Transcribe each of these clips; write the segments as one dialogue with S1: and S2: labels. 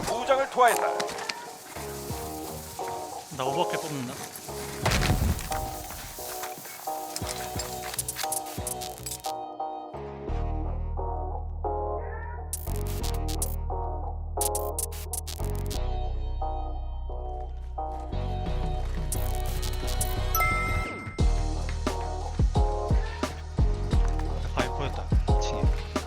S1: 무장을 투하했다.
S2: 나 오버킬 뽑는다. 바위 보였다. 2층에.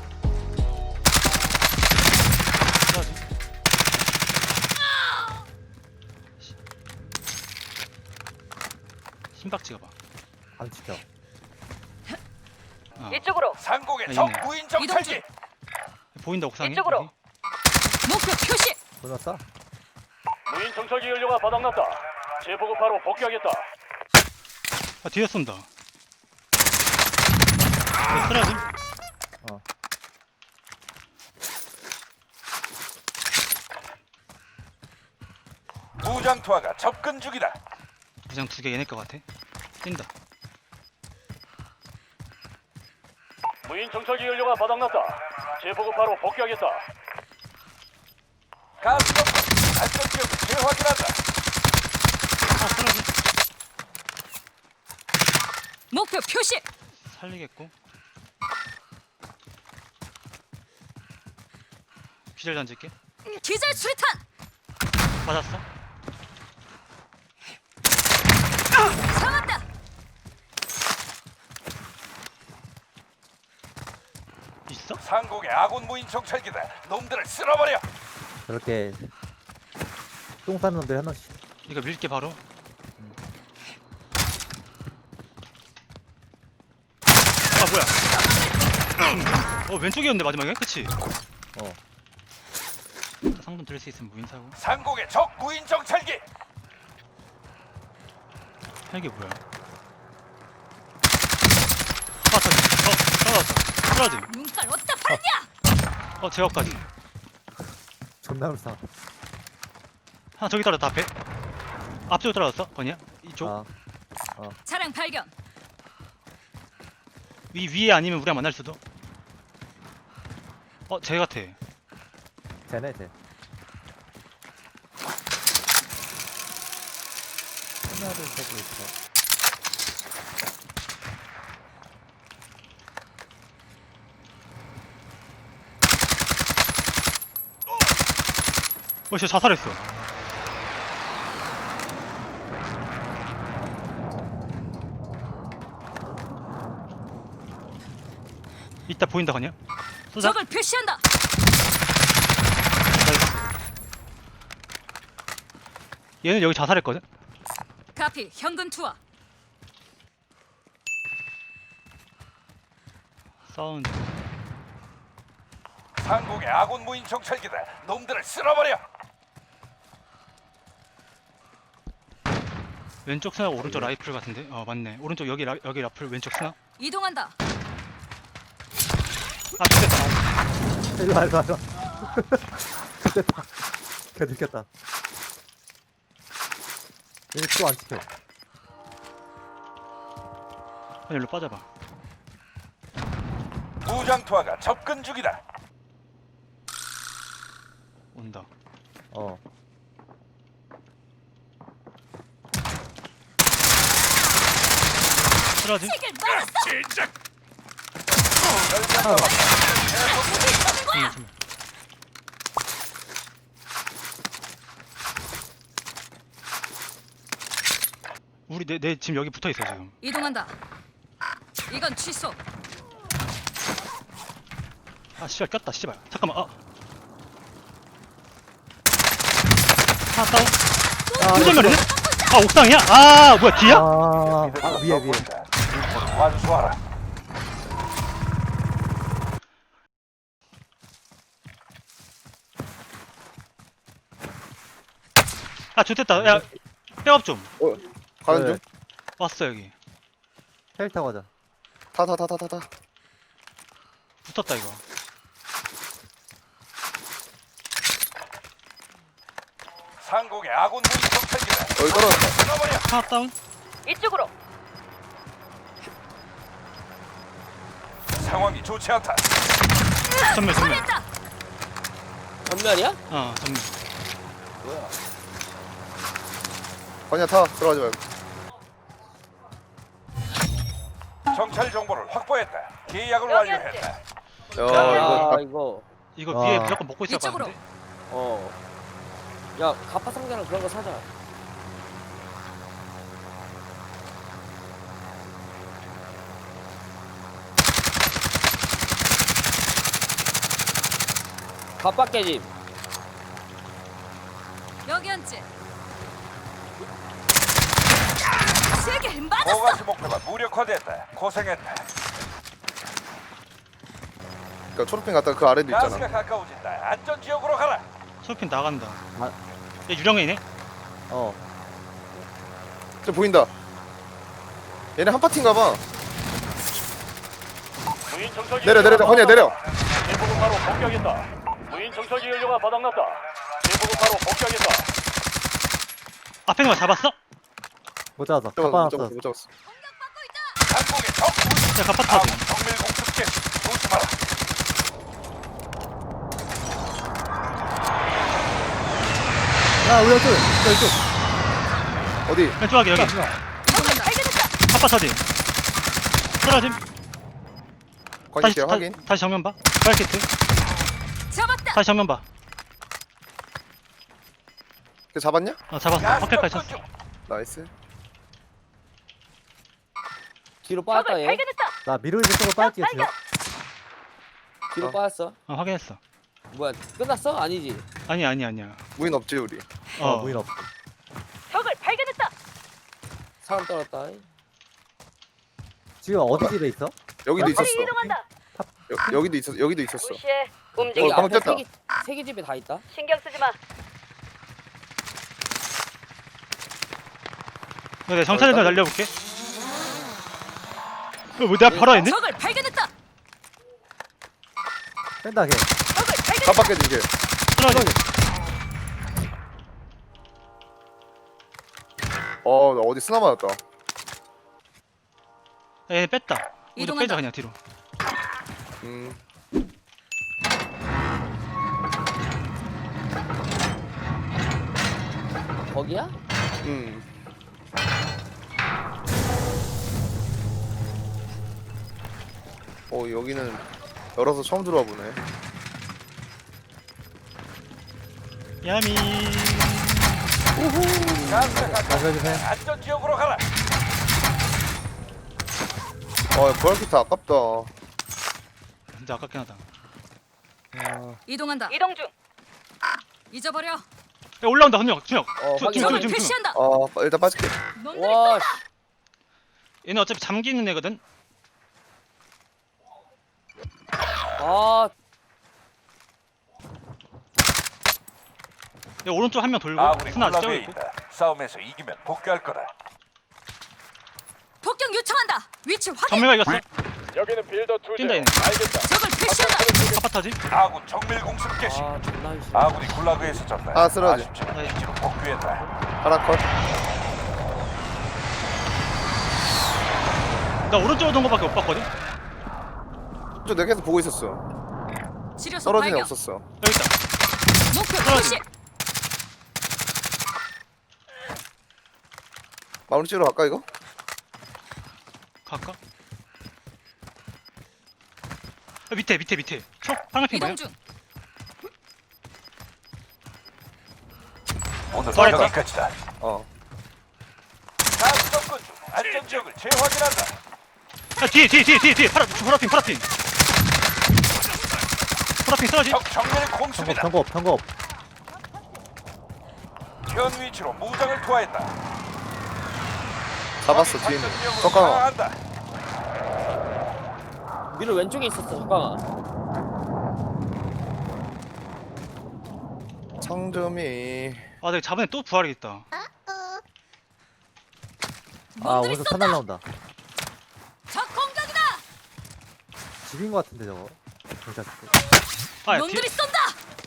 S2: 신박 찍어봐.
S3: 안 찍혀.
S4: 이쪽으로
S1: 상공의
S2: 아,
S1: 적
S2: 있네.
S1: 무인 정찰기.
S2: 보인다 옥상에.
S4: 이쪽으로.
S2: 여기?
S4: 목표 표시.
S3: 보냈어?
S5: 무인 정찰기 연료가 바닥났다. 재보급 바로 복귀하겠다.
S2: 아 뒤에 쏜다. 쓰러짐?
S3: 어.
S1: 무장 투하가 접근 중이다.
S2: 무장 2개 얘네 거 같아. 뛴다.
S5: 무인 정찰기 연료가 바닥났다. 재보급 바로 복귀하겠다.
S1: 가스bom 안전 지역 재확인한다.
S2: 아 쓰러짐.
S4: 목표 표시.
S2: 살리겠고. 기절 던질게.
S4: 기절 수류탄.
S2: 맞았어.
S4: 잡았다.
S2: 있어?
S1: 상공의 아군 무인 정찰기다. 놈들을 쓸어버려.
S3: 저렇게 똥 싸는 놈들 하나씩.
S2: 이거 밀게 바로. 아 뭐야? 왼쪽이었는데 마지막에, 그치?
S3: 어.
S2: 상금 들을 수 있으면 무인 사고.
S1: 상공의 적 무인 정찰기.
S2: 헬기 뭐야? 아 떨어졌어. 떨어짐.
S4: 눈깔 어디다 팔냐?
S2: 제어까지.
S3: 존나 불쌍.
S2: 하나 저기 떨어졌다 앞에. 앞쪽으로 떨어졌어. 거냐? 이쪽.
S3: 아.
S4: 차량 발견.
S2: 위에 아니면 우리랑 만날 수도. 쟤 같아.
S3: 쟤네 쟤. 하나를 보고 있어.
S2: 쟤 자살했어. 이따 보인다 거냐? 쏘자.
S4: 적을 표시한다.
S2: 얘는 여기 자살했거든?
S4: 카피 현금 투하.
S2: 사운드.
S1: 상공의 아군 무인 정찰기다. 놈들을 쓸어버려.
S2: 왼쪽 스나 오른쪽 라이플 같은데? 맞네. 오른쪽 여기 라플 왼쪽 스나?
S4: 이동한다.
S2: 아 죽겠다.
S3: 일로 와 일로 와. 됐다. 걔 들켰다. 얘 또 안 찍혀.
S2: 아니 일로 빠져봐.
S1: 무장 투하가 접근 중이다.
S2: 온다.
S3: 어.
S2: 쓰러지?
S4: 책을 말았어.
S1: 진작.
S2: 우리 내 지금 여기 붙어 있어 지금.
S4: 이동한다. 이건 취소.
S2: 아 씨발 꼈다 씨발. 잠깐만. 하나 다운. 충전면이네? 옥상이야? 뭐야 뒤야?
S3: 위에.
S1: 완수하라.
S2: 좋됐다. 야 백업 좀.
S6: 가는 중.
S2: 왔어 여기.
S3: 헬 타고 가자.
S6: 타타타타타타.
S2: 붙었다 이거.
S1: 상공의 아군 무인 정찰기다.
S6: 여기 떨어졌다.
S1: 쓸어버려.
S2: 하나 다운.
S4: 이쪽으로.
S1: 상황이 좋지 않다.
S2: 전면.
S4: 처리했다.
S6: 전면이야?
S2: 전면.
S7: 뭐야?
S6: 건이야 타. 들어가지 말고.
S1: 정찰 정보를 확보했다. 계약을
S4: 여기
S1: 완료했다.
S6: 야
S7: 아
S6: 이거
S7: 이거
S2: 이거
S3: 아.
S2: 위에 무조건 먹고 있을 것
S4: 이쪽으로.
S2: 같은데.
S7: 어. 야 가파 상자랑 그런 거 사자. 가파 깨짐.
S4: 여기 앉지. 세게 맞았어.
S1: 고가시 목표가 무력화됐다. 고생했다.
S6: 그러니까 초록핑 갔다가 그 아래도
S1: 가스가
S6: 있잖아.
S1: 가까워진다. 안전 지역으로 가라.
S2: 솔핀 나간다.
S3: 아.
S2: 얘 유령이네.
S3: 어.
S6: 저 보인다. 얘네 한 파티인가봐.
S5: 무인 정찰기
S6: 내려
S5: 연료가
S6: 건이야 내려.
S5: 바닥났다. 제보급 바로 복귀하겠다. 무인 정찰기 연료가 바닥났다. 제보급 바로 복귀하겠다.
S2: 앞에 있는 거 잡았어?
S3: 못 잡았어.
S6: 못
S3: 가방
S6: 잡았어
S3: 없어.
S6: 못 잡았어.
S1: 한국의 적 무인
S2: 야, 갑파
S1: 아군
S2: 타지.
S1: 정밀 공습 개시. 조심하라.
S3: 야, 우리 이쪽.
S6: 어디?
S2: 왼쪽하게 여기.
S4: 적을 발견했다.
S2: 갑파 터지. 쓰러짐.
S6: 건이
S2: 다시
S6: 있게요 확인.
S2: 다시 정면 봐. 파이키트.
S4: 잡았다.
S2: 다시 정면 봐.
S6: 그 잡았냐?
S2: 잡았어.
S1: 가스
S2: 확실까지
S1: 접근
S2: 쳤어.
S1: 중.
S6: 나이스.
S7: 뒤로 빠졌다
S4: 적을
S7: 얘.
S4: 발견했다.
S3: 나 미로이즈 쪽으로 빠질게, 지금.
S7: 뒤로
S6: 어.
S7: 빠졌어.
S2: 확인했어.
S7: 뭐야 끝났어? 아니지.
S2: 아니야.
S6: 무인 없지 우리.
S3: 무인 없어.
S4: 적을 발견했다.
S7: 사람 떨었다.
S3: 지금 어디 집에 있어?
S6: 여기도 있었어.
S4: 이동한다.
S6: 여기도 있었어. 여기도 있었어.
S4: 무시해.
S6: 어,
S4: 움직이.
S6: 방금
S7: 앞에
S6: 떴다.
S7: 세개 집에 다 있다.
S4: 신경 쓰지 마.
S2: 내가 정찰을 좀 날려볼게. 내 앞에 바로 있네?
S4: 적을 발견했다.
S3: 뺀다, 걔.
S4: 적을 발견.
S6: 깜빡해 준게.
S2: 쓰러짐.
S6: 나 어디 쓰나 맞았다.
S2: 얘 뺐다. 우리
S4: 이동한다.
S2: 빼자 그냥 뒤로.
S6: 음.
S7: 거기야?
S6: 음. 여기는 열어서 처음 들어와 보네.
S2: 야미.
S1: 가스가 가까워진다.
S3: 조심해.
S1: 안전 지역으로 가라.
S6: 부활키트 아깝다.
S2: 진짜 아깝긴 하다.
S4: 이동한다. 이동 중. 잊어버려.
S2: 야, 올라온다 한 명. 두 명.
S7: 확인.
S4: 적을
S2: 지금.
S4: 표시한다.
S6: 일단 빠질게.
S4: 놈들이
S7: 와. 씨.
S2: 얘는 어차피 잠기는 애거든.
S7: 아
S2: 얘 오른쪽 한 명 돌고
S1: 아군이
S2: 스나 아직 째고
S1: 굴라그에
S2: 있고.
S1: 있다. 싸움에서 이기면 복귀할 거다.
S4: 폭격 요청한다. 위치 확인.
S2: 정밀가 이겼어.
S5: 여기는 빌더 투.
S2: 뛴다 얘네.
S5: 알겠다.
S4: 적을 표시한다.
S2: 갑파 터지.
S1: 아군 정밀 공습 개시.
S7: 존나 싫어.
S1: 아군이 굴라그에서 졌다.
S6: 쓰러져.
S1: 아쉽지만 기지로 복귀했다.
S6: 하나 컷.
S2: 나 오른쪽으로 돈 거밖에 못 봤거든.
S6: 저 내가 계속 보고 있었어.
S4: 치료소
S6: 떨어진 애
S4: 발견.
S6: 없었어.
S2: 여기 있다.
S4: 목표
S2: 떨어진.
S4: 표시.
S6: 마무리 찍으러 갈까 이거?
S2: 갈까? 밑에. 초 파란핑 뭐야?
S4: 이동 중.
S1: 오늘
S2: 떨어졌다.
S1: 여기까지다. 가스 접근 중. 안전 지역을 재확인한다.
S2: 야, 뒤에. 파란핑. 파란핑 쓰러지.
S1: 적 정밀 공습이다.
S3: 경고.
S1: 현 위치로 무장을 투하했다.
S6: 잡았어 뒤에 있는. 잠깐만.
S1: 한다.
S7: 미로 왼쪽에 있었어. 잠깐만.
S6: 상점이.
S2: 내가 저번에 또 부활이겠다.
S4: 놈들이
S3: 오늘
S4: 쏜다.
S3: 산 날라온다.
S4: 적 공격이다.
S3: 집인 것 같은데, 저거. 경찰 집.
S2: 뒤에.
S4: 놈들이 쏜다.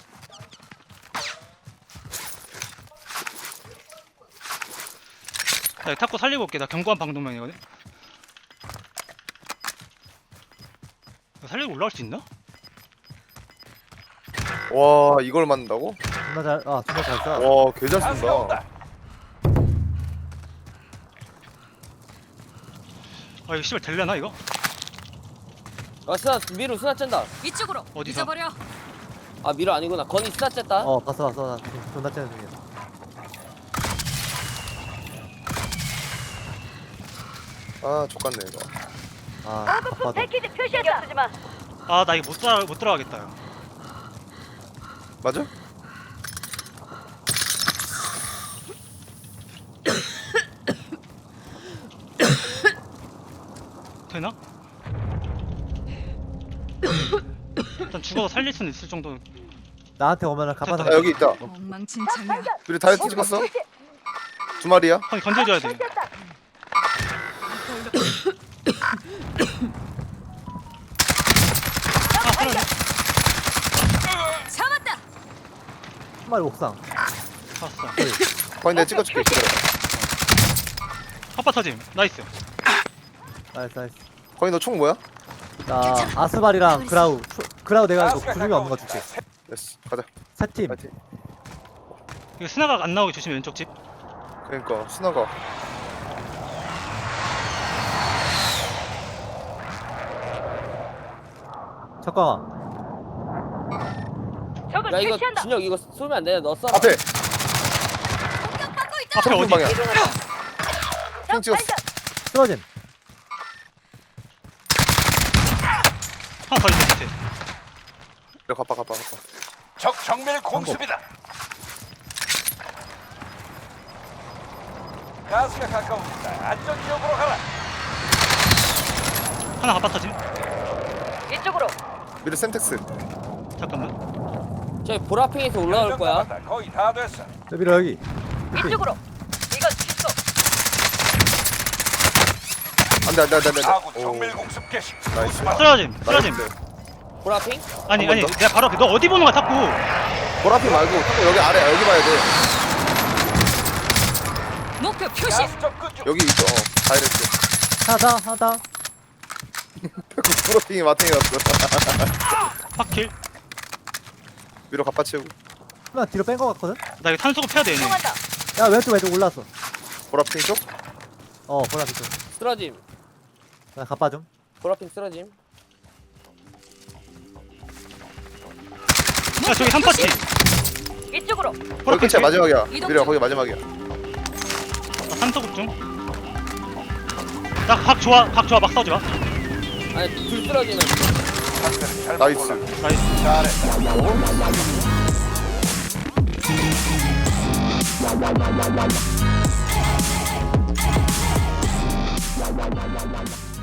S2: 나 이거 탁구 살리고 올게. 나 경고한 방독면이거든. 살리고 올라올 수 있나?
S6: 와 이걸 맞는다고?
S3: 존나 존나 잘 쏴.
S6: 와, 개 잘
S1: 가스가 온다.
S6: 쏜다.
S2: 아 이거 씨발 될려나 이거?
S7: 스나 미루 스나 쨘다.
S4: 이쪽으로.
S2: 어디서?
S4: 잊어버려.
S7: 아 미루 아니구나. 건이 스나 쨌다.
S3: 봤어. 나 지금 존나 째는 중이야.
S6: 아, 족같네, 이거.
S3: 아빠도.
S2: 아 나 이거 못 들어가겠다 요.
S6: 맞아?
S2: 되나? 일단 죽어서 살릴 수는 있을 정도.
S3: 나한테 오면은 가빠
S6: 아, 여기 있다.
S4: 엉망진창이야.
S6: 우리 다이어트 찍었어? 두 마리야?
S2: 형이 건져줘야 돼. 아 살았네.
S4: 잡았다.
S3: 한 마리 옥상.
S2: 봤어.
S6: 거기 내가 찍어줄게. 기다려.
S2: 핫바 터짐. 나이스.
S3: 나이스.
S6: 거기 너 총 뭐야?
S3: 나 아스발이랑 그라우 내가 이거
S1: 가스가
S3: 구중이 없는 거
S1: 가까워진다.
S3: 줄게.
S6: 됐어. 가자.
S3: 세 팀.
S6: 파이팅.
S2: 이거 스나가 안 나오게 조심해 왼쪽 집.
S6: 그러니까 순아가
S3: 잠깐만.
S7: 야 이거 진혁 이거 쏘면 안 돼. 너 쏴.
S6: 앞에
S4: 공격받고 있다.
S2: 앞에 어디?
S6: 방향. 총 찍었어.
S3: 쓰러짐.
S2: 하나 더 있어 밑에.
S6: 이리 가봐.
S1: 적 정밀 공습이다. 가스가 가까워진다. 안전 지역으로 가라.
S2: 하나 핫바 터짐.
S6: 미래 센텍스.
S2: 잠깐만.
S7: 저기 보라핑에서 올라올 거야.
S1: 남았다. 거의 다 됐어.
S3: 여기로 여기.
S6: 안돼.
S1: 아군 정밀 공습 개시.
S6: 나이스.
S2: 쓰러짐.
S7: 보라핑?
S2: 아니
S6: 한번
S2: 아니
S6: 더?
S2: 내가 바로 앞에. 너 어디 보는 거야 자꾸.
S6: 보라피 말고 여기 아래 여기 봐야 돼.
S4: 목표 표시.
S1: 가스 접근 중.
S6: 여기 있어. 다이렉트.
S3: 하나 더.
S6: 보라핑이 마탱이 갔어.
S2: 확킬.
S6: 위로 갑바 채우고.
S3: 하나 뒤로 뺀 거 같거든?
S2: 나 이거 탄소급 해야 돼 얘네.
S3: 야 왼쪽 올랐어.
S6: 보라핑 쪽?
S3: 보라 밑쪽.
S7: 쓰러짐.
S3: 나 가빠 좀.
S7: 보라핑 쓰러짐.
S2: 야 저기 3파티.
S6: 거기 끝이야 마지막이야.
S4: 이동
S6: 미래야
S4: 중.
S6: 거기 마지막이야.
S2: 나 탄소급 중. 나 각 좋아 막 싸우지 마.
S7: 아니 둘 쓰러지면.
S1: 상태를 잘
S6: 나이스.
S1: 몰라.
S2: 나이스.
S1: 잘했다.